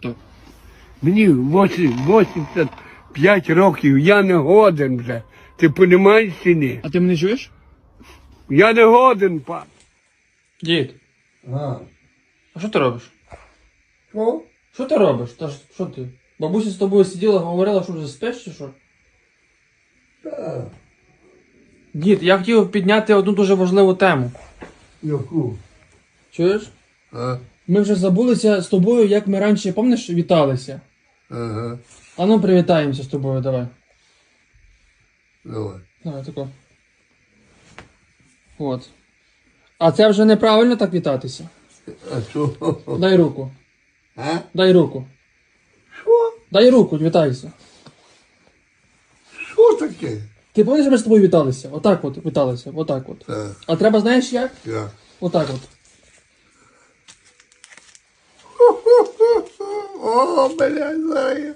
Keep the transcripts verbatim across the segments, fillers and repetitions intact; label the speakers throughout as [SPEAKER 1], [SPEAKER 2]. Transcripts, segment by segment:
[SPEAKER 1] То.
[SPEAKER 2] Мені вісімдесят п'ять років, я не годен вже. Ти розумієш чи ні?
[SPEAKER 1] А ти мене чуєш?
[SPEAKER 2] Я не годен, пан.
[SPEAKER 1] Дід,
[SPEAKER 2] А.
[SPEAKER 1] а що ти робиш?
[SPEAKER 2] Що?
[SPEAKER 1] Що ти робиш? Та ж, що ти? Бабуся з тобою сиділа, говорила, що вже спиш чи що?
[SPEAKER 2] Так.
[SPEAKER 1] Дід, я хотів підняти одну дуже важливу тему.
[SPEAKER 2] Яку?
[SPEAKER 1] Чуєш?
[SPEAKER 2] А?
[SPEAKER 1] Ми вже забулися з тобою, як ми раніше, пам'ятаєш, віталися.
[SPEAKER 2] Ага.
[SPEAKER 1] А ну привітаємося з тобою, давай.
[SPEAKER 2] Давай.
[SPEAKER 1] Давай, тако. От. А це вже неправильно так вітатися.
[SPEAKER 2] А що?
[SPEAKER 1] Дай руку.
[SPEAKER 2] А?
[SPEAKER 1] Дай руку.
[SPEAKER 2] Що?
[SPEAKER 1] Дай руку, вітайся.
[SPEAKER 2] Що таке?
[SPEAKER 1] Ти пам'ятаєш, ми з тобою віталися? Отак от віталися, отак от.
[SPEAKER 2] Так.
[SPEAKER 1] А треба, знаєш як?
[SPEAKER 2] Я.
[SPEAKER 1] Отак от.
[SPEAKER 2] О, блядь, знаю.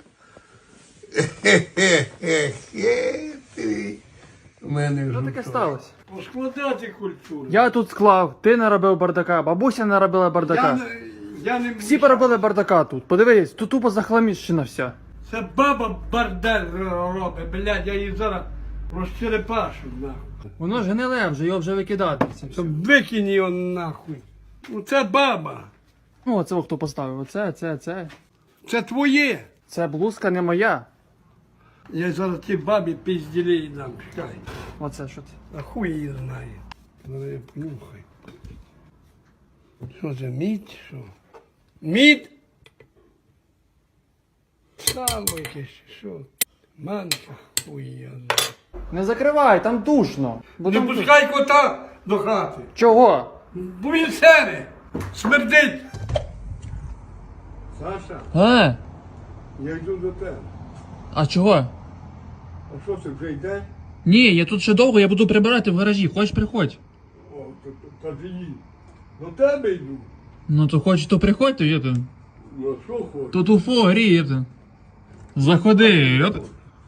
[SPEAKER 2] Хе-хе-хе-хе. У мене
[SPEAKER 1] Що
[SPEAKER 2] вже
[SPEAKER 1] таке
[SPEAKER 2] то.
[SPEAKER 1] сталося?
[SPEAKER 2] Поскладати культуру.
[SPEAKER 1] Я тут склав, ти наробив бардака, бабуся наробила
[SPEAKER 2] Я
[SPEAKER 1] бардака.
[SPEAKER 2] не, я не
[SPEAKER 1] Всі поробили бардака тут. Подивись, тут тупо захламіщена вся.
[SPEAKER 2] Це баба бардель робить, блядь, я її зараз розчерепашу, нахуй.
[SPEAKER 1] Воно ж гниле вже, його вже викидати. Це все.
[SPEAKER 2] Щоб викинь його нахуй. Ну це баба.
[SPEAKER 1] Ну, оце хто поставив. Оце, це, це.
[SPEAKER 2] Це твоє.
[SPEAKER 1] Це блузка не моя.
[SPEAKER 2] Я зараз ті бабі пізділі дам, чекай.
[SPEAKER 1] Оце що це.
[SPEAKER 2] А хуй її знає. Ну я понюхай. Що це, мідь, що? Мідь? Сало якесь, що? Манка, хуй я знаю.
[SPEAKER 1] Не закривай, там душно. Бо
[SPEAKER 2] Не
[SPEAKER 1] там
[SPEAKER 2] пускай кота до хати.
[SPEAKER 1] Чого?
[SPEAKER 2] Бо він сере, смердить. Саша,
[SPEAKER 1] А?
[SPEAKER 2] я йду до тебе.
[SPEAKER 1] А чого?
[SPEAKER 2] А що це вже йде?
[SPEAKER 1] Ні, я тут ще довго, я буду прибирати в гаражі. Хочеш, приходь.
[SPEAKER 2] О, то, то, тоді їдь. До тебе йду.
[SPEAKER 1] Ну то хочеш, то приходь, то є то.
[SPEAKER 2] Ну, а що хочеш?
[SPEAKER 1] Тут уфо гріє. то. Заходи. От.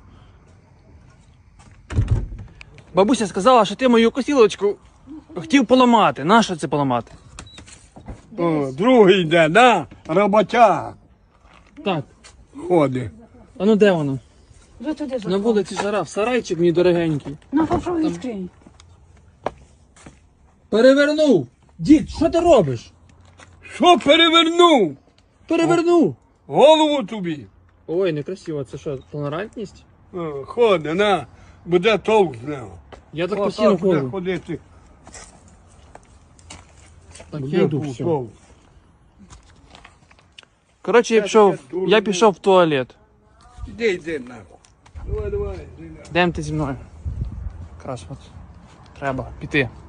[SPEAKER 1] Бабуся сказала, що ти мою косілочку хотів поламати. Нащо це поламати?
[SPEAKER 2] О, другий йде, да? Роботяг
[SPEAKER 1] Так.
[SPEAKER 2] ходить.
[SPEAKER 1] А ну де воно?
[SPEAKER 3] Вже туди
[SPEAKER 1] На
[SPEAKER 3] заходь.
[SPEAKER 1] вулиці жара, сарайчик мій дорогенький.
[SPEAKER 3] Ну, попробуй відкрий.
[SPEAKER 1] Перевернув! Дід, що ти робиш?
[SPEAKER 2] Що перевернув?
[SPEAKER 1] Перевернув!
[SPEAKER 2] Голову тобі.
[SPEAKER 1] Ой, некрасиво, це що, толерантність?
[SPEAKER 2] О, ходи, на, буде толк з нього.
[SPEAKER 1] Я так
[SPEAKER 2] О,
[SPEAKER 1] постійно
[SPEAKER 2] так буде
[SPEAKER 1] ходжу.
[SPEAKER 2] ходити.
[SPEAKER 1] Так,
[SPEAKER 2] Буде
[SPEAKER 1] я йду, все.
[SPEAKER 2] толк.
[SPEAKER 1] Коротше, я пішов, я пішов в туалет.
[SPEAKER 2] Іди, йди, нахуй. Давай, давай, йди, нахуй.
[SPEAKER 1] Йдемо ти зі мною. Якраз от. Треба піти.